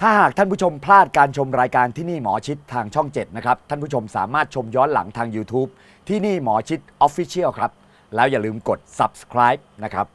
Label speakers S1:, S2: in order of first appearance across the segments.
S1: ถ้าหากท่านผู้ชมพลาดการชมรายการที่นี่หมอชิดทางช่อง 7 นะครับ ท่านผู้ชมสามารถชมย้อนหลังทาง YouTube ที่นี่หมอชิด Official ครับ แล้วอย่าลืมกด subscribe นะครับ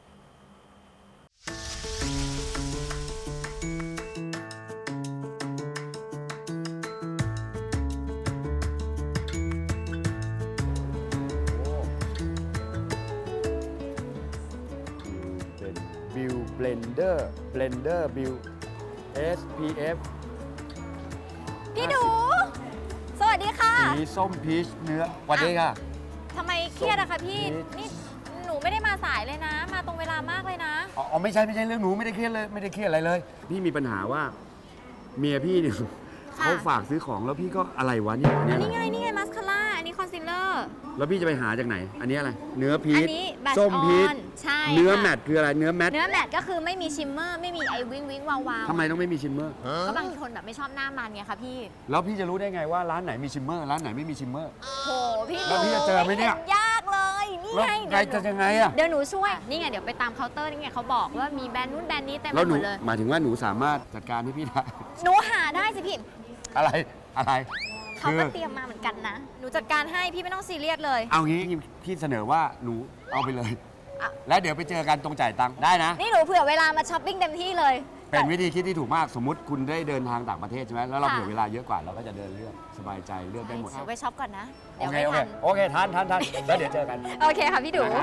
S1: เป็นบิวเบลนเดอร์บิว SPF
S2: พี่ดู สวัสดีค่ะ
S1: สีส้มพีชเนื้อสวัสดีค่ะ
S2: ทำไมเครียดอะคะพี่
S1: ส้มพีช
S2: นี่หนูไม่ได้มาสายเลยนะ มาตรงเวลามากเลยนะ
S1: อ๋อไม่ใช่เรื่องหนูไม่ได้เครียดเลยไม่ได้เครียดอะไรเลย พี่มีปัญหาว่าเมียพี่เนี่ย
S2: ค่ะ
S1: เขาฝากซื้อของแล้วพี่ก็อะไรวะเนี่ยอัน
S2: อั
S1: นี้
S2: น
S1: อะไร
S2: นี้ไงมัสคาร่า อันนี้คอนซีลเลอร์
S1: แล้วพี่จะไปหาจากไหน อันนี้อะไร เนื้อพี
S2: อั
S1: ช
S2: นี้แบช
S1: ส้ม
S2: อ
S1: พีช
S2: อนใช่
S1: เนื้อ
S2: ค่ะ
S1: แมทคืออะไรเนื้อแมท
S2: เนื้อแมทก็คือไม่มีชิมเมอร์ ไม่มีไอวิงวิงวาววาว
S1: ทำไมต้องไม่มีชิมเมอร์
S2: ก็บางคนแบบไม่ชอบหน้ามันไงคะพี่
S1: แล้วพี่จะรู้ได้ไงว่าร้านไหนมีชิมเมอร์ร้านไหนไม่มีชิมเมอร์
S2: โหพี่
S1: แล้วพี่จะเจอไหมเนี่ย
S2: ยากเลย นี่
S1: แล้ว
S2: ไง
S1: ไงจะยังไงอะ
S2: เดี๋ยวหนูช่วย นี่ไงเดี๋ยวไปตามเคาน์เตอร์นี่ไงเขาบอกว่ามีแบรนด์นู้นแบรนด์นี้เต็มไป
S1: แล้วห
S2: ห
S1: นู
S2: มดเลย
S1: หมายถึงว่าหนูสามารถจัดการให้พี่ได้
S2: หนูหาได้สิพี่
S1: อะไรอะไร
S2: เขา
S1: คื
S2: ก็
S1: อ
S2: เตรียมมาเหมือนกันนะ หนูจัดการให้พี่ไม่ต้องซีเรียสเลย
S1: เอางี้พี่เสนอว่าหนูเอาไปเลย
S2: อ่ะ
S1: แล้วเดี๋ยวไปเจอกันตรงจ่ายตังค์ได้นะ
S2: นี่หนูเผื่อเวลามาช้อปปิ้งเต็มที่เลย
S1: เป็นวิธีคิดที่ถูกมากสมมุติคุณได้เดินทางต่างประเทศใช่ไหมแล้วเรา
S2: ค่ะ
S1: เผื่อเวลาเยอะกว่าเราก็จะเดินเลือกสบายใจเลือกได้หมด
S2: เดี๋ยวไปช็อปก่อนนะ
S1: โอ
S2: เดี๋ยว
S1: เค
S2: ไม่
S1: โอเค
S2: ทัน
S1: โอเคทันแล้วเดี๋ยวเจอกัน
S2: โอเคค่ะพี่ดู
S1: นะฮะ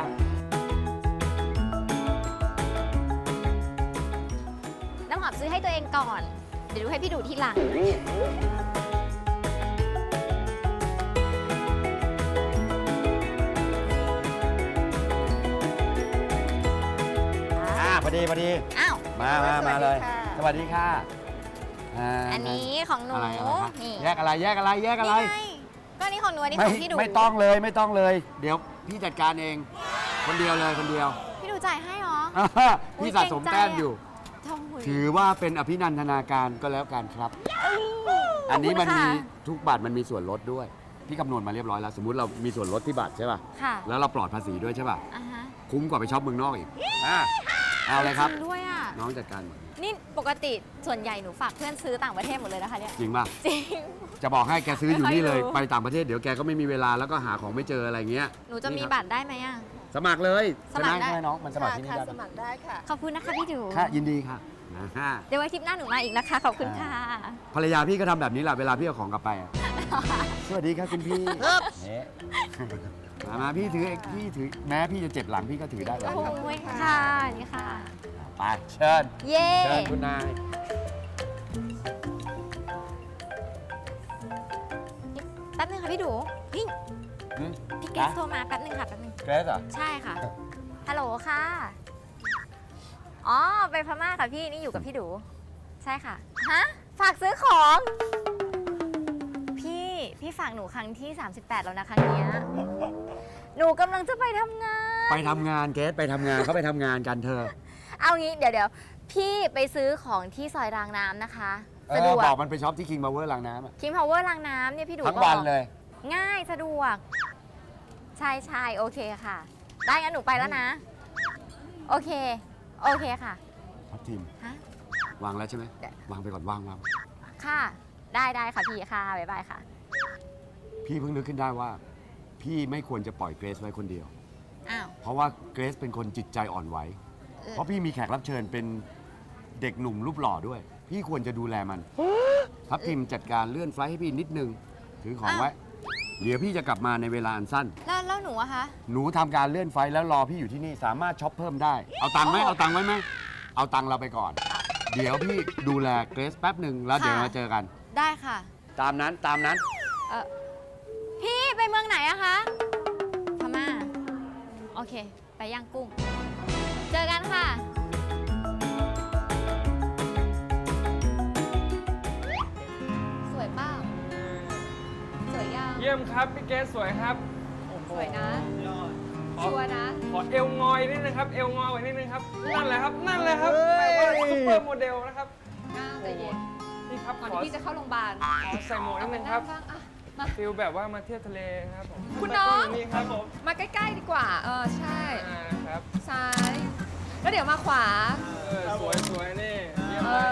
S2: น้ำหอมซื้อให้ตัวเองก่อน เดี๋ยวดูให้พี่ดูทีหลัง
S1: พอดี
S2: อ้าว
S1: มาเลย สวัสดีค่ะา
S2: อันนี้ของหนู
S1: อะไรคะ
S2: นี่
S1: แยกอะไร
S2: นี่ไงก็อันนี้ของหนูอันนี้ของพี่ดู
S1: ไม่ต้องเลย เดี๋ยวพี่จัดการเองคนเดียวเลยคนเดียว
S2: พี่ดูจ่ายให้เหรอ
S1: พี่สะสมแต้มอยู่
S2: ทองหุย
S1: ถือว่าเป็นอภินันทนาการก็แล้วกันครับ อันนี้มันมี
S2: ขอบคุณค่ะ
S1: ทุกบัตรมันมีส่วนลดด้วย พี่คำนวณมาเรียบร้อยแล้ว สมมุติเรามีส่วนลดที่บัตรใช่ป่ะ
S2: ค่ะ
S1: แล้วเราปลอดภาษีด้วยใช่ป่ะ
S2: อ่าฮะ
S1: คุ้มกว่าไปช็อปเมืองนอกอีกเอาเลยครับ
S2: จงด้วยอ่ะ
S1: น้องจัดการหมด
S2: นี่ปกติส่วนใหญ่หนูฝากเพื่อนซื้อต่างประเทศหมดเลยนะคะเนี่ย
S1: จริงป่ะ
S2: จริง
S1: จะบอกให้แกซื้ออยู่นี่เลย
S2: ไม่ค่อยรู้
S1: ไปต่างประเทศเดี๋ยวแกก็ไม่มีเวลาแล้วก็หาของไม่เจออะไรเงี้ย
S2: หนูจะมี
S1: นี่ครับ
S2: บัตรได้ไหมอ่ะ
S1: สมัครเลย
S2: สมัครได้
S1: ใช่ไหมน้องมันสมัครที่นี่
S3: ค่ะ
S1: ได้
S3: สมัครได้ค่ะ
S2: ขอบคุณนะคะพี่ดู
S1: ค่ะยินดีค่ะฮะ
S2: เดี๋ยวไว้ทริปหน้าหนูมาอีกนะคะ ขอบคุณค่ะ
S1: ภรรยาพี่ก็ทำแบบนี้แหละเวลาพี่เอาของกลับไปอะสวัสดีครับคุณพี่เนี่ยมาพี่ถือแม้พี่จะเจ็บหลังพี่ก็ถือได้แบบ
S2: โอ้
S1: นี้
S2: ยค่ะ นี่ค่ะ
S1: ไปเชิญ
S2: เย้
S1: เชิญคุณนาย
S2: แป๊บนึงค่ะพี่ดูนี่
S1: อืม
S2: พี่เกสโทรมาแป๊บนึงค่ะแป๊บนึง
S1: เกรซเหรอ
S2: ใช่ค่ะ ฮัลโหลค่ะ อ๋อ ไปพม่าค่ะพี่ นี่อยู่กับพี่ดู ใช่ค่ะ ฮะ ฝากซื้อของ พี่ฝากหนูครั้งที่ 38 แล้วนะครั้งเนี้ยหนูกำลังจะไปทำงาน
S1: ไปทำงานเกรซไปทำงานเขาไปทำงานกันเธอ
S2: เอางี้เดี๋ยวพี่ไปซื้อของที่ซอยรางน้ำนะคะสะดวก
S1: บอกมันไปช็อปที่ King Power รางน้ำอะ
S2: คิมพาวเวอร์รางน้ำเนี่ยพี่ดู
S1: ทั้ง
S2: บอก
S1: วันเลย
S2: ง่ายสะดวก ใช่โอเคค่ะ ได้งั้นหนูไปแล้วนะ โอเคค่ะ
S1: ทับทีม
S2: ฮะ
S1: วางแล้วใช่ไหม
S2: เดี๋ยว
S1: วางไปก่อนวาง
S2: ค่ะ ได้ค่ะพี่ค่ะบ๊ายบายค่ะ
S1: พี่เพิ่งนึกขึ้นได้ว่า พี่ไม่ควรจะปล่อยเกรซไว้คนเดียว
S2: อ้าว
S1: เพราะว่าเกรซเป็นคนจิตใจอ่อนไหว เพราะพี่มีแขกรับเชิญเป็นเด็กหนุ่มรูปหล่อด้วย พี่ควรจะดูแลมันทับทิมจัดการเลื่อนไฟล์ให้พี่นิดนึง ถือของไว้ เดี๋ยวพี่จะกลับมาในเวลาอันสั้น
S2: แล้วหนูอะคะ
S1: หนูทำการเลื่อนไฟล์แล้วรอพี่อยู่ที่นี่สามารถช็อปเพิ่มได้ เอาตังค์ไหมเอาตังค์ไว้ไหมเอาตังค์เราไปก่อน เดี๋ยวพี่ดูแลเกรซแป๊บหนึ่งแล้วเดี๋ยวมาเจอกัน
S2: ได้ค่ะ
S1: ตามนั้น
S2: พี่ไปเมืองไหนอะคะพม่าโอเค ไปย่างกุ้ง เจอกันค่ะ สวยเปล่าสวยยัง
S4: เยี่ยมครับ พี่เกสสวยครับ
S2: สวยนะ
S4: ขอ
S2: ชัวร์นะ
S4: ขอเอวงอยนิดนึงครับ เอวงอยไว้นิดนึงครับ นั่นแหละครับแบบว่าซุปเปอร์โมเดลนะครับ
S5: ใจเย็น
S4: นี่ครับ
S5: ก่อน
S4: ขอ
S5: ที่พี่จะเข้าโรงพยาบาล
S4: ใส่หมวกนิดนึงครับ
S5: บ้างอะมา
S4: ฟิลแบบว่ามาเที่ยวทะเลครับผม
S5: คุณน้อง
S4: นี่ครับผม
S5: มาใกล้ๆดีกว่า ใช่
S4: ครับ
S5: ซ้าย แล้วเดี๋ยวมาขวา
S4: สวยนี่เยี่ยม
S5: เอ
S4: เลย
S5: อ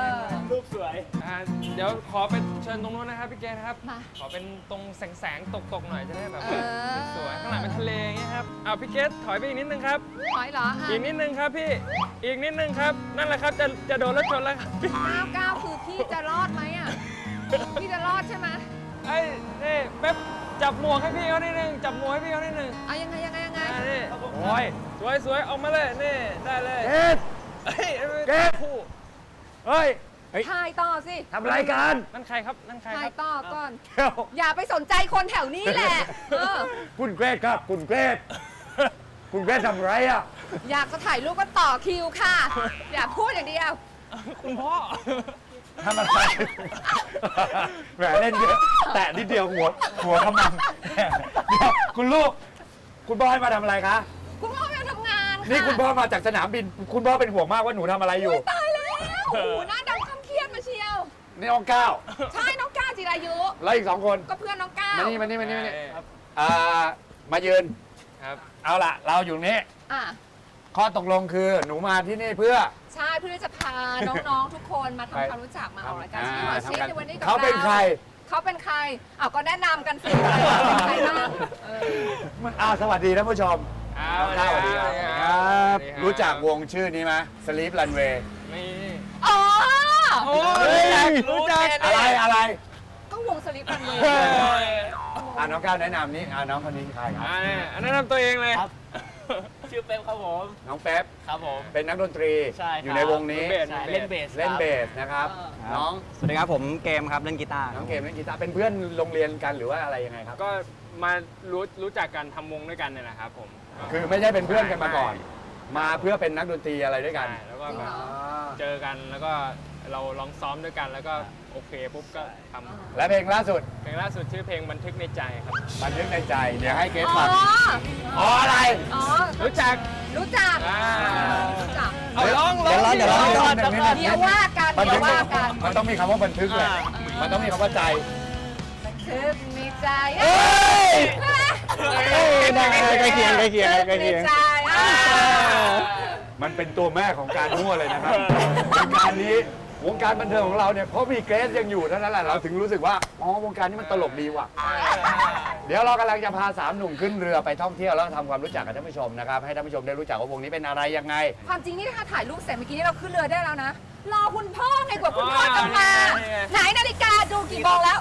S3: รูปสวย
S4: เดี๋ยวขอเป็นเชิญตรงนู้นนะครับพี่เกดครับ
S5: มา
S4: ขอเป็นตรงแสงตกหน่อยจะได้แบบ
S5: เออ
S4: สวยข้างหลังเป็นทะเลอย่างเงี้ยครับเอาพี่เกดถอยไปอีกนิดนึงครับ
S5: ถอยเหรอ
S4: อีกนิดนึงครับพี่อีกนิดนึงครับนั่นแหละครับจะโดนรถชนแล้วครับ
S5: ก้าวคือพี่จะรอดไหมอ่ะ พี่จะรอดใช่ไหม
S4: ไอ้นี่แป๊บจับหมวกให้พี่เขานิดนึงจับหมวกให้พี่เขานิดนึง
S5: เอายังไง
S4: นี่โอ้ยสวยออกมาเลยนี่ได้เลย
S1: เอ๊ะ
S4: เฮ้ย
S1: เกด
S4: คู่
S1: เฮ้ย
S5: ถ่ายต่อสิ
S1: ทำอะไรกัน
S4: นั่นใครครับนั่นใคร
S5: ถ่า
S4: ค
S5: ย
S4: รับ
S5: ต่อก่อน
S1: เดี๋ยว
S5: อย่าไปสนใจคนแถวนี้แหละ เออ
S1: คุณเกรดครับคุณเกรดคุณเกรดทำอะไรอ่ะ
S5: อยากจะถ่ายรูปก็ต่อคิวค่ะ อย่าพูดอย่างเดียว
S4: คุณพ่อ
S1: ทำอะไรแหมเล่นเยอะแตะนิดเดียวหัวขมังเดี๋ยวคุณลูก คุณพ่อให้มาทำอะไรคะ
S5: คุณพ่อไปทำงานค่ะ
S1: นี่คุณพ่อมาจากสนามบิน คุณพ่อเป็นห่วงมากว่าหนูทำอะไรอยู่
S5: ตายแล้วโอ้โหหน้าดำคำเครียดมาเชียว
S1: นี่น้องก้าว
S5: ใช่น้องก้าวจิรายุ
S1: แล้วอีก2 คน
S5: ก็เพื่อนน้องก้าว
S1: มานี่มายืน
S4: ครับ
S1: เอาล่ะ เราอยู่นี่
S5: อ่ะ
S1: ข้อตกลงคือหนูมาที่นี่เพื่อ
S5: ใช่เพื่อจะพาน้องๆทุกคนมาทำความรู้จักมาออกรายการที่หมอชิดในวันนี้กับ
S1: เขาเป็นใคร
S5: เขาเป็นใครอ้าวก็แนะนำกันสิเป็นใครบ้างเออ
S1: สวัสดีท่านผู้ชม
S4: สวัสดีครับ
S1: ครับรู้จักวงชื่อนี้ไหม Sleep Runway
S4: นี่
S5: อ๋อ
S4: โอ้ยรู้จัก
S1: อะไร
S5: ก็วงสลิปกันเลย
S1: น้องก้าวแนะนำนี่น้องคนนี้ใครครับ
S4: อันนั้นทำตัวเองเลย
S3: ครับ ชื่อเป๊ปครับผม
S1: น้องเป๊ป
S3: ครับผม
S1: เป็นนักดนตรี
S3: ใช่ครับ
S1: อยู่ในวงนี้
S3: ใช่เล่นเบส
S1: เล่น
S3: ครับ
S1: เบสนะครับ น้อง
S6: สวัสดีครับผมเกมครับเล่นกีตาร์
S1: น้องเกมเล่นกีตาร์เป็นเพื่อนโรงเรียนกันหรือว่าอะไรยังไงครับ
S4: ก็มารู้จักกันทำวงด้วยกันเนี่ยนะครับผม
S1: คือไม่ใช่เป็นเพื่อนกันมาก่อน มาเพื่อเป็นนักดนตรีอะไรด้วยกัน
S4: ใช่แล้วก็
S5: จริง
S4: แบ
S5: เหร
S4: บ
S5: อ
S4: เจอกันแล้วก็เราลองซ้อมด้วยกันแล้วก็โอเคปุ๊บก็ท
S1: และเพลงล่าสุด
S4: ำเพลงล่าสุดชื่อเพลงบันทึกในใจครับ
S1: บันทึกในใจ เดี๋ยวให้เกส
S5: อ๋อ
S1: ฟังอ๋ออะไร
S5: อ๋อ
S4: รู้จัก
S5: รู้จัก
S4: อ่า
S5: รู้จัก
S4: เอาร้อง
S6: เดี๋ยวร้อง
S5: เดี๋ยวว่ากัน
S1: บัน
S5: เดี๋
S1: ทึ
S5: ย
S1: ก
S5: วว่ากัน
S1: มันต้องมีคำว่าบันทึกเลยมันต้องมีคำว่าใจ
S5: ทึกมีใจ
S1: เอ้ย
S6: ได้ใกล้เคียงใกล้เคียงใกล้
S5: มี
S6: เคียง
S5: ใจอ่า
S1: มันเป็นตัวแม่ของการมั่วเลยนะครับวงการนี้วงการบันเทิงของเราเนี่ยเพราะมีเกรซยังอยู่เท่านั้นแหละเราถึงรู้สึกว่าอ๋อวงการนี้มันตลกดีว่ะ เดี๋ยวเรากำลังจะพา3 หนุ่มขึ้นเรือไปท่องเที่ยวแล้วทำความรู้จักกับท่านผู้ชมนะครับให้ท่านผู้ชมได้รู้จักว่าวงนี้เป็นอะไรยังไง
S5: ความจริงนี่ถ้าถ่ายรูปเสร็จเมื่อกี้นี่เราขึ้นเรือได้แล้วนะ รอคุณพ่อไงกว่าคุณพ่อจะมา ไหนนาฬิกาดูกี่โมงแล้ว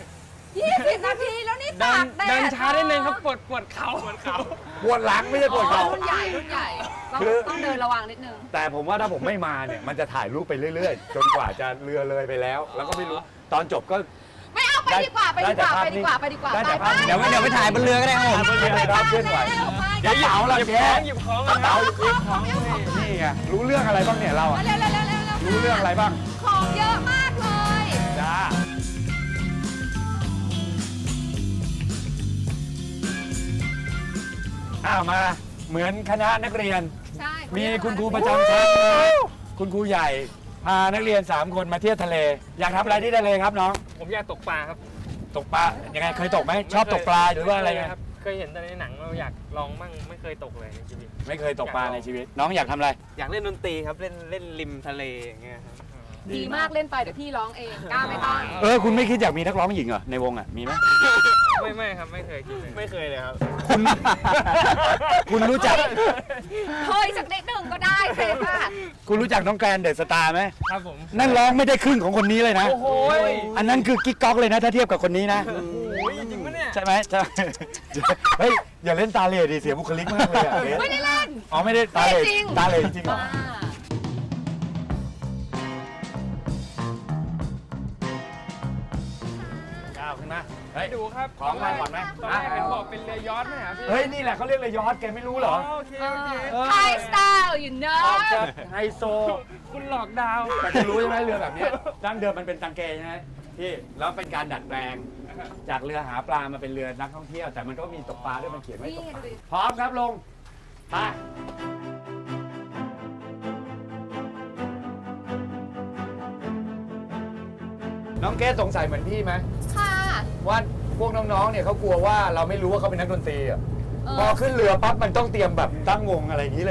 S5: 20 นาทีแล้วนี่
S4: เดิ
S5: ตาน กแดด
S4: เดินช้าได้นึงครับปวดเข่า
S1: ปวดหลังไม่ใช่ปวด
S5: อ๋อ
S1: เข่า
S5: รุ่นใหญ่รุ่นใหญ่ต้องเดินระวังนิดนึง
S1: แต่ผมว่าถ้าผมไม่มาเนี่ยมันจะถ่ายรูปไปเรื่อยๆ จนกว่าจะเรือเลยไปแล้ว แล้วก็ไม่รู้ตอนจบก็
S5: ไม่เอาไปดีกว่าไปดีกว่าไปดีกว่าไปดีกว่า
S1: ได้แต่ภาพ
S6: เดี๋ยวไปถ่ายบนเรือก็ได้ครับผม
S1: ไม่มีครับเคลื่อนไหว
S5: เดี๋ยว
S1: กระเป๋าเรา
S4: หยิบ
S1: แก
S4: ของหยิบของ
S1: กระเป๋า
S5: ของ
S1: นี่ไงรู้เรื่องอะไรบ้างเนี่ยเราอะ
S5: เร็วๆ
S1: รู้เรื่องอะไรบ้าง
S5: ของเยอะมากเลย
S1: จ้ามาเหมือนคณะนักเรียน
S5: ใช่
S1: มีคุณครูประจำชั้นคุณครูใหญ่พานักเรียน3 คนมาเที่ยวทะเล อยากทำอะไรที่ทะเลครับน้อง
S4: ผมอยากตกปลาครับ
S1: ตกปลายังไงเคยตกไหมชอบตกปลาหรือว่าอะไรไง
S4: ครับเคยเห็นแต่ในหนังเราอยากลองมั่งไม่เคยตกเลยในชีวิต
S1: ไม่เคยตกปลาในชีวิต น้องอยากทำอะไร
S6: อยากเล่นดนตรีครับเล่นริมทะเลอย่างเงี้ยครับ
S5: ดีมากเล่นไปเดี๋ยวพี่ร้องเองกล้าไม่ต้อง
S1: คุณไม่คิดอยากมีนักร้องหญิงเหรอในวงอ่ะมีไหม
S4: ไม่ครับไม่เคยคิดเลย
S6: ไม่เคยเลยครับ
S1: คุณรู้จัก
S5: เฮ้ยสักนิดหนึ่งก็ได้เซค่ะ
S1: คุณรู้จักน้องแกรนเดอะสตาร์ไหม
S4: ครับผม
S1: นั่นร้องไม่ได้ครึ่งของคนนี้เลยนะ
S4: โอ้โห
S1: อันนั้นคือกิ๊กก๊อกเลยนะถ้าเทียบกับคนนี้นะ
S4: โอ้ยจริงปะเนี่ย
S1: ใช่ไหมใช่ เฮ้ยอย่าเล่นตาเหล่ดิเสียบุคลิกมากเลยอะเบส
S5: ไม่ได้เล่น
S1: อ๋อไม่ได้ตาเหล่
S5: จริง
S1: ตาเหล่จริงเหรอ
S5: อ่า
S1: ก้าวขึ้นมาเฮ้ย
S4: ดูครับ
S1: ของมาก่อนไหม
S4: ตอนแรกเห็นบอกเป็นเรือยอชต์ไหมครับพี่
S1: เฮ้ยนี่แหละเขาเรียกเลยยอดแกไม่รู้เหรอ
S4: โอเคโอเค
S5: ไทยสไตล์ you
S1: อ
S5: know
S1: อกจากไฮโซ
S4: คุณหลอกดาว
S1: แต่คุณรู้ใช่ไหมเรือแบบเนี้ยดั้งเดิมมันเป็นตังเกใช่ไหมที่แล้วเป็นการดัดแปลง จากเรือหาปลามาเป็นเรือนักท่องเที่ยว แต่มันก็มีตกปลาด้วยมันเขียนไว้
S5: นี่
S1: ตก
S5: ไง
S1: ปลา
S5: ดูดิ
S1: พร้อมครับลงไปน้องเกสสงสัยเหมือนพี่ไหม
S5: ค่ะ
S1: ว่าพวกน้องๆเนี่ยเขากลัวว่าเราไม่รู้ว่าเขาเป็นนักดนตรีอ่ะ
S5: เออ
S1: พอขึ้นเรือปั๊บมันต้องเตรียมแบบตั้งวงอะไรอย่างนี้เลยเหรอ
S5: เออ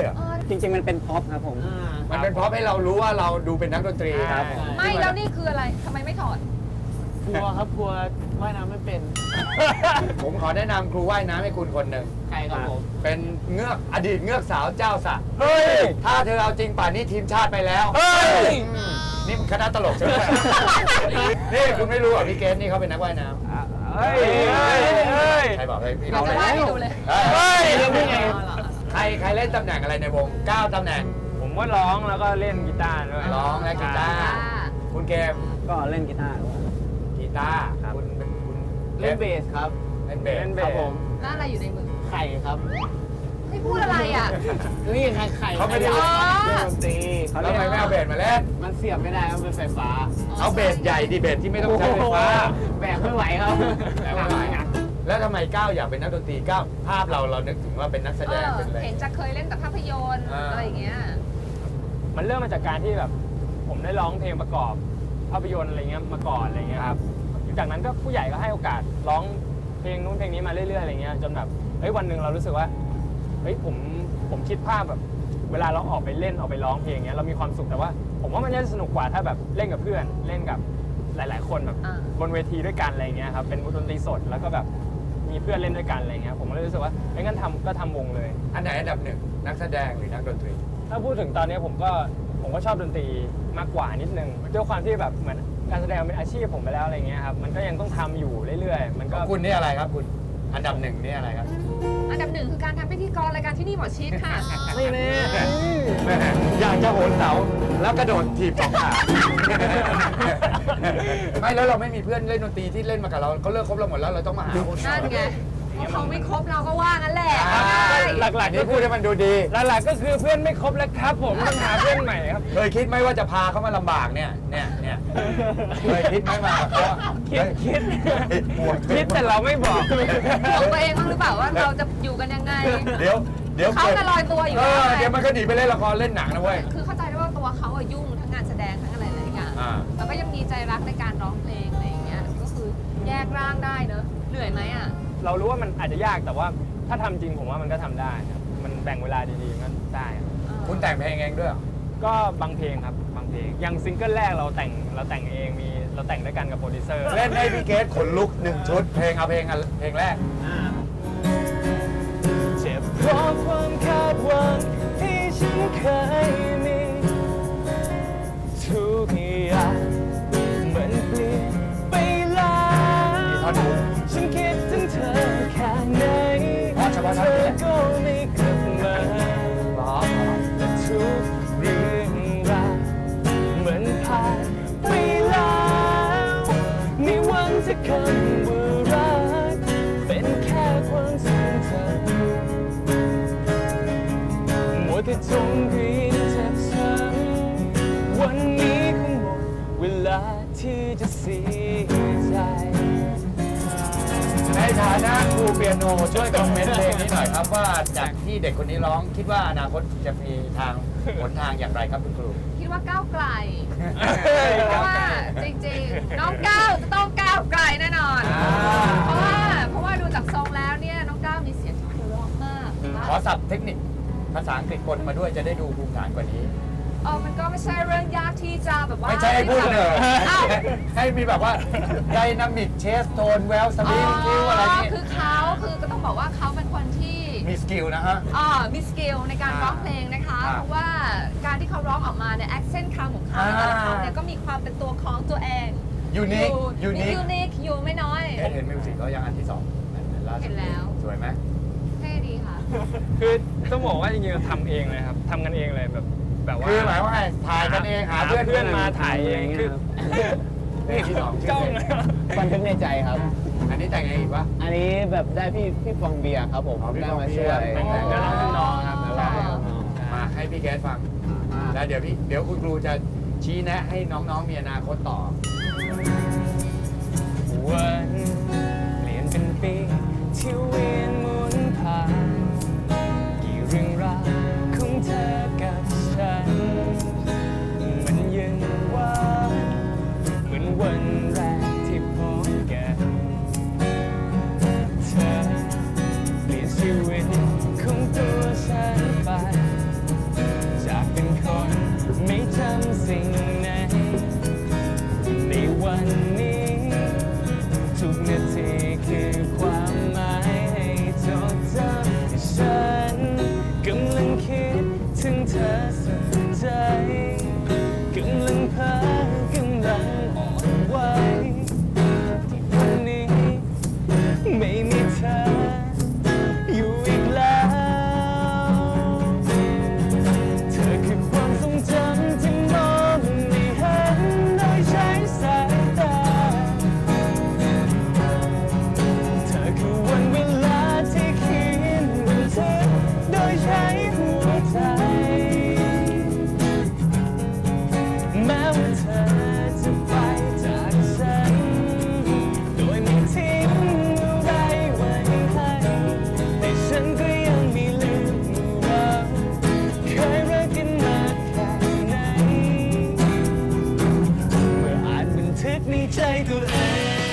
S6: จริงๆมันเป็นพ็อปครับผม
S1: มันเป็นเพราะให้เรารู้ว่าเราดูเป็นนักดนตรี
S6: ครับ
S5: ไม่แล้วนี่คืออะไรทำไมไม่ถอด
S3: กลัวครับกลัวว่ายน้ำไม่เป็น
S1: ผมขอแนะนำครูว่ายน้ำให้คุณคนหนึ่ง
S3: ใครครับผม
S1: เป็นเงือกอดีตเงือกสาวเจ้าสระ
S6: เฮ้ย
S1: ถ้าเธอเอาจริงป่านนี้ทีมชาติไปแล้ว
S6: เฮ้ย
S1: นี่มันคณะตลกใช่ไหม นี่คุณไม่รู้เหรอพี่เกสนี่เขาเป็นนักว่ายน้ำ
S6: เฮ้ยเฮ้ย
S1: ใครบอกให้พี่
S5: เรา
S1: เรา
S5: จะ
S1: เลย
S5: ว่ายให้ดูเลย
S1: เฮ้ย
S6: เรื่องนี้ไง
S1: ใครเล่นตำแหน่งอะไรในวง9ตำแหน่ง
S4: ผมก็ร้องแล้วก็เล่นกีตาร์ด้วย
S1: ร้องและกีตาร์
S5: อ่า
S1: คุณเกม
S6: ก็เล่นกีตาร์ด้วย
S1: กีตาร์คุณเป็นคุณ
S3: เล่นเบสครับ
S1: เล่นเบส
S4: เล่นเบ
S3: ครั
S4: ส
S3: บผม
S5: แล้วอะไรอยู่ในมือ
S3: ไข่ครับ
S5: ให้พูดอะไรอ่ะ
S3: นี่ไข่ไข่
S1: เขาไม่ได้
S5: อ๋อ
S3: เล่นดนตรี
S1: แล้วทำไมไม่เอาเบสมาเล่น
S3: มันเสียบไม่ได้มันเป็นไฟฟ้า
S1: เอาเบสใหญ่ดิเบสที่ไม่ต้องใช้ไฟฟ้า
S3: แบกไม่ไหวครับ
S1: แต่ว่าแล้วทำไมก้าวอยากเป็นนักดนตรีก้าวภาพเรานึกถึงว่าเป็นนักแสดงเป็นอะไร
S5: เห็นจะเคยเล่นแต่ภาพยนตร์
S1: อ่า
S5: อะไรอย่างเงี้ย
S4: มันเริ่มมาจากการที่แบบผมได้ร้องเพลงประกอบภาพยนตร์อะไรเงี้ยมาก่อนอะไรเงี้ยครับจากนั้นก็ผู้ใหญ่ก็ให้โอกาสร้องเพลงนู้นเพลงนี้มาเรื่อยๆอะไรเงี้ยจนแบบเฮ้ยวันหนึ่งเรารู้สึกว่าเฮ้ยผมคิดภาพแบบเวลาเราออกไปเล่นออกไปร้องเพลงเงี้ยเรามีความสุขแต่ว่า ผมว่ามันจะสนุกกว่าถ้าแบบเล่นกับเพื่อนเล่นกับหลายๆ คนแบบ
S5: อ่า
S4: บนเวทีด้วยกันอะไรเงี้ยครับเป็นดนตรีสดแล้วก็แบบมีเพื่อนเล่นด้วยกันอะไรเงี้ยผมก็เลยรู้สึกว่าเอ้ยงั้นทำวงเลย
S1: อันไหนอันดับหนึ่งนักแสดงหรือนักดนตรี
S4: ถ้าพูดถึงตอนนี้ผมก็ชอบดนตรีมากกว่านิดนึงด้วยความที่แบบเหมือนการแสดงเป็นอาชีพผมไปแล้วอะไรเงี้ยครับมันก็ยังต้องทำอยู่เรื่อยๆ มันก็
S1: คุณนี่อะไรครับคุณอันดับหนึ่งนี่อะไรครับ
S5: อันดับหนึ่งคือการทำพิธีกรรายการที่นี่หมอชิดค่ะ
S4: ไม่แน่
S1: แม่อยากจะโหนเสาแล้วกระโดดถีบสองขา ไม่แล้วเราไม่มีเพื่อนเล่นดนตรีที่เล่นมากับเราเขาเลิกคบเราหมดแล้วเราต้องมาหาคน
S5: นั่นไงพวกเขาไม่ครบเราก็ว่างั้นแหละ
S4: หลักๆ
S1: นี่
S4: ก็
S1: พูดให้มันดูดี
S4: หลักๆก็คือเพื่อนไม่ครบแล้วครับผมต้องหาเพื่อนใหม่ครับ
S1: เคยคิดไหมว่าจะพาเขามาลำบากเนี่ยเคยคิดไหมมากับเขา
S4: คิด
S1: ห่วง
S4: คิดแต่เราไม่บอก
S5: ห่วงตัวเองบ้างหรือเปล่าว่าเราจะอยู่กันยังไง
S1: เดี๋ยว
S5: เขาจะลอยตัวอยู่
S1: เอ
S5: ได้
S1: อเดี๋ยวมันก็หนีไปเล่นละครเล่นหนังนะเว้ย
S5: คือเข้าใจได้ว่าตัวเขาอะยุ่งทั้งงานแสดงทั้งอะไรหลายอย่าง
S1: อ่า
S5: แล้วก็ยังมีใจรักในการร้องเพลงอะไรอย่างเงี้ย ก็คือแยกร่างได้เนอะเหนื่อยไหมอ่ะ
S4: เรารู้ว่ามันอาจจะยากแต่ว่าถ้าทำจริงผมว่ามันก็ทำได้ครับมันแบ่งเวลาดีๆมันได้ครับ
S1: คุณแต่งเพลงเองด้วยเหรอ
S4: ก็บางเพลงครับบางเพลงอย่างซิงเกิลแรกเราแต่งเองเราแต่งด้วยกันกับโปรดิวเซอร์
S1: เล่นให้พี่เกสขนลุกหนึ่งชุดเพลงเอาเพลงแรก
S4: เจ็บเพราะความคาดหวังที่ฉันเคยมีทุกอย่างเหมือนเปลี่ยนไปแล้ว
S1: มีท่อนฮุก
S4: ฉันคิดถึงเธอแค่ไหน
S1: อ๋อเฉพาะท่
S4: เธ
S1: อนนี้
S4: อ
S1: แหละ
S4: ก็ไม่กลับมา
S1: หรอ
S4: และทุกเรื่องราวเหมือนผ่านไปแล้วในวันที่คำว่ารักเป็นแค่ความทรงจำมัวแต่จมเรียนเจ็บช้ำวันนี้คงหมดเวลาที่จะเสียใจ
S1: ในฐานะครูเปียโนช่วยคอมเมนต์เพลงนี้หน่อยครับว่าจากที่เด็กคนนี้ร้องคิดว่าอนาคตจะมีหนทางอย่างไรครับคุณครู
S5: คิดว่าก้าวไกล เพราะว่าจริงๆ น้องก้าวจะต้องก้าวไกลแน่นอน เพราะว่าดูจากทรงแล้วเนี่ยน้องก้าวมีเสียงที่เพราะมาก
S1: ขอศัพท์เทคนิคภาษาอังกฤษปนมาด้วยจะได้ดูภูมิฐานกว่านี้
S5: มันก็ไม่ใช่เรื่องยากที่จะแบบว่า
S1: ไม่ใช่ให้พูดเลย
S5: อ้าว
S1: ให้มีแบบว่าไดนามิกเชสโทนแวลสลิงคิวอะไรนี่
S5: คือก็ต้องบอกว่าเขาเป็นคนที่
S1: มีสกิลนะฮะ
S5: มีสกิลในการร้องเพลงนะคะ
S1: อ่า
S5: เพราะว่าการที่เขาร้องออกมาเนี่ยแอคเซนต์คำของเขาแต่ละคำเนี่ยก็มีความเป็นตัวของตัวเอง
S1: ยูนิค
S5: ยูนิคอยู่ไม่น้อย
S1: เห็นมิวสิกก็ยังอันที่สองล่าสุด
S5: เห็นแล้ว
S1: สวยไหม
S5: เท่ดีค่ะ
S4: คือต้องบอกว่าจริงๆเราทำเองเลยครับทำกันเองเลยแบบว่า
S1: คือหมายว่าไงถ่ายกันเองหาเพื่อน
S4: มาถ่ายเองคือ
S1: เพลงที่สองชื่
S4: จ้
S1: อ
S4: อง
S1: เพลง
S6: บันทึกในใจครับ
S1: อันนี้แต่งเองอีกปะ
S6: อันนี้แบบได้พี่ฟองเบียร์ครับผม
S1: อ๋อพี่
S6: ได้
S1: ฟอง
S6: มา
S1: เบี
S6: ช่
S1: ยร์
S6: วย
S1: แต่ง
S4: เดี๋ยวเราเป็นน้องครับ
S6: ใช่ครับ
S1: มาให้พี่แก๊สฟัง แล้วเดี๋ยวคุณครูจะชี้แนะให้น้องๆมีอนาคตต่อ
S4: วันเปลี่ยนเป็นปีที่เวียนหมุนผ่านกี่เรื่องราวของเธอกับฉันมันยังหวานเหมือนวันแรกที่พบกันเธอเปลี่ยนชีวิตของตัวฉันไป
S7: ในใจตัวเอง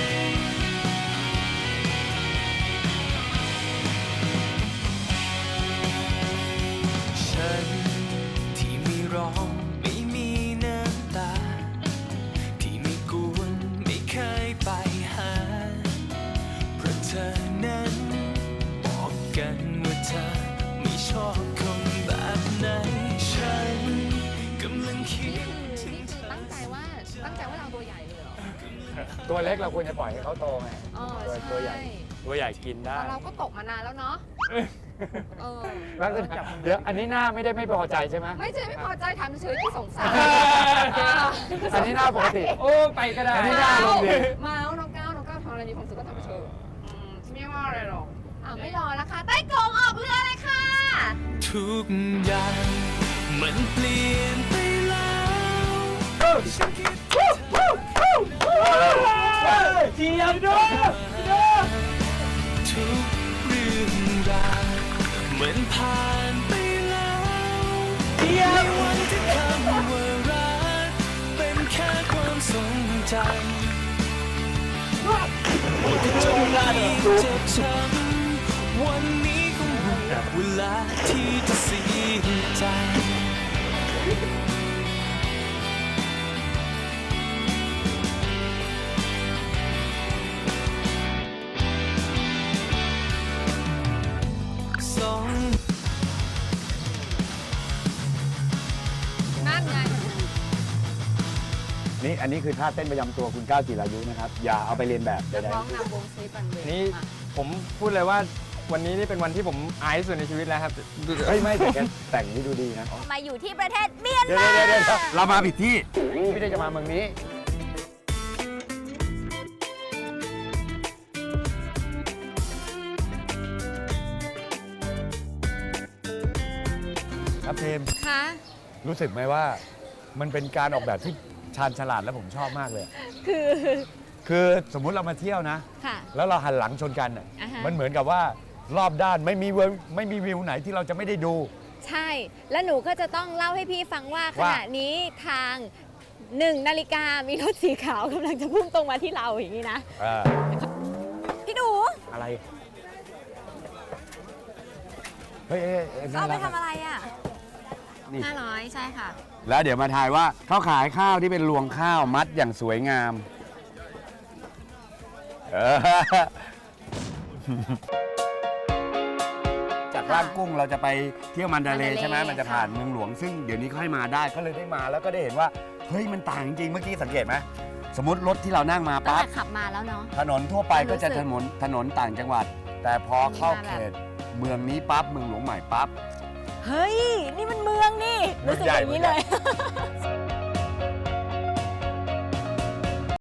S7: ฉันที่ไม่ร้องไม่มีน้ำตา ที่ไม่กวนไม่เคยไปหา เพราะเธอนั้นบอกกันว่าเธอไม่ชอบคนแบบไหน ฉันกำลังคิด
S5: นี่คือตั้งใจว่าเราตัวใหญ่เลยเหรอ
S4: ตัวเล็กเราควรจะปล่อยให้เขาโตไง
S5: อ๋อ
S4: ตัวใหญ่
S5: ใช่
S4: ตัวใหญ่กินได้
S5: แต่เราก็ตกมานานแล้วเนาะเออ
S4: แล้วเดี๋ยวอันนี้หน้าไม่ได้ไม่พอใจใช่ไหม
S5: ไม่ใช่ไม่พอใจทำเฉยๆที่สงสาร
S4: อันนี้หน้าปกติ โอ้ไปก็ได้ อันนี้หน้าลงดี
S5: มาเอาน้องก้าวทำอะไรมีความสุขก็ทำไปเถอะไม่ว่าอะไรหรอกไม่รอแล้วค่ะใต้กรงออกเรือเลยค่ะ
S7: ทุกอย่างมันเปลี่ยนไปแล้วฉันคิดถึงเธอ
S4: เทียมด้วย
S7: ทุกเรื่องราวเหมือนผ่านไปแล้วในวันที่คำว่ารักเป็นแค่ความทรงจำที่จงรักเจ็บช้ำวันนี้คงหมดเวลาที่จะเสียใจ สอง
S5: นั่นไง
S1: นี่อันนี้คือท่าเต้นประจำตัวคุณก้าวจิรายุนะครับ อย่าเอาไปเรียนแบบใด
S5: ร้องนำวงสลีปันเว
S4: นี่ผมพูดเลยว่าวันนี้นี่เป็นวันที่ผมอายที่สุดในชีวิตแล้วครับ
S1: ๆเฮ้ยไม่แต่แกแต่งนี่ดูดีนะ
S2: มาอยู่ที่ประเทศเมียน
S1: เดี๋ยว
S2: มา
S1: เดี๋ยวเรามาผิดที่ไม่ได้จะมาเมืองนี้ ครับเทม
S5: คะ
S1: รู้สึกไหมว่ามันเป็นการออกแบบที่ชาญฉลาดและผมชอบมากเลย คือสมมุติเรามาเที่ยวนะ
S2: ค่ะ
S1: แล้วเราหันหลังชนกันน่ะ
S2: อ่าฮะ
S1: มันเหมือนกับว่ารอบด้านไม่มีวิวไหนที่เราจะไม่ได้ดู
S2: ใช่ แล้วหนูก็จะต้องเล่าให้พี่ฟังว่าข
S1: ว่า
S2: ณะนี้ทาง1 นาฬิกามีรถสีขาวกำลังจะพุ่งตรงมาที่เราอย่างนี้นะ พี่ดู
S1: อะไรเฮ้ยน่า
S2: เอาไป
S1: รัก
S2: ทำอะไรอ่ะ
S1: นี่
S2: 500 ใช่ค่ะ
S1: แล้วเดี๋ยวมาทายว่าเขาขายข้าวที่เป็นรวงข้าวมัดอย่างสวยงามจากร้านกุ้งเราจะไปเที่ยวมันดาเลย์ใช่ไหม
S2: มันดาเลย์
S1: มันจะผ่านเมืองหลวง ซึ่งเดี๋ยวนี้เขาให้มาได้ก็เลยได้มาแล้วก็ได้เห็นว่าเฮ้ยมันต่างจริงๆเมื่อกี้สังเกตไหมสมมติรถที่เรานั่งมา
S2: ตั้ง
S1: ปั๊บ
S2: แต่ขับมาแล้วเนาะ
S1: ถนนทั่วไปก็จะ
S2: รู้สึก
S1: ถนนต่างจังหวัด แต่พอเข้า
S2: มีมาแบบ
S1: เขตเมืองนี้ปั๊บเมืองหลวงใหม่ปั๊บ
S2: เฮ้ย นี่มันเมืองนี่ รู้สึกอย่างนี้เลย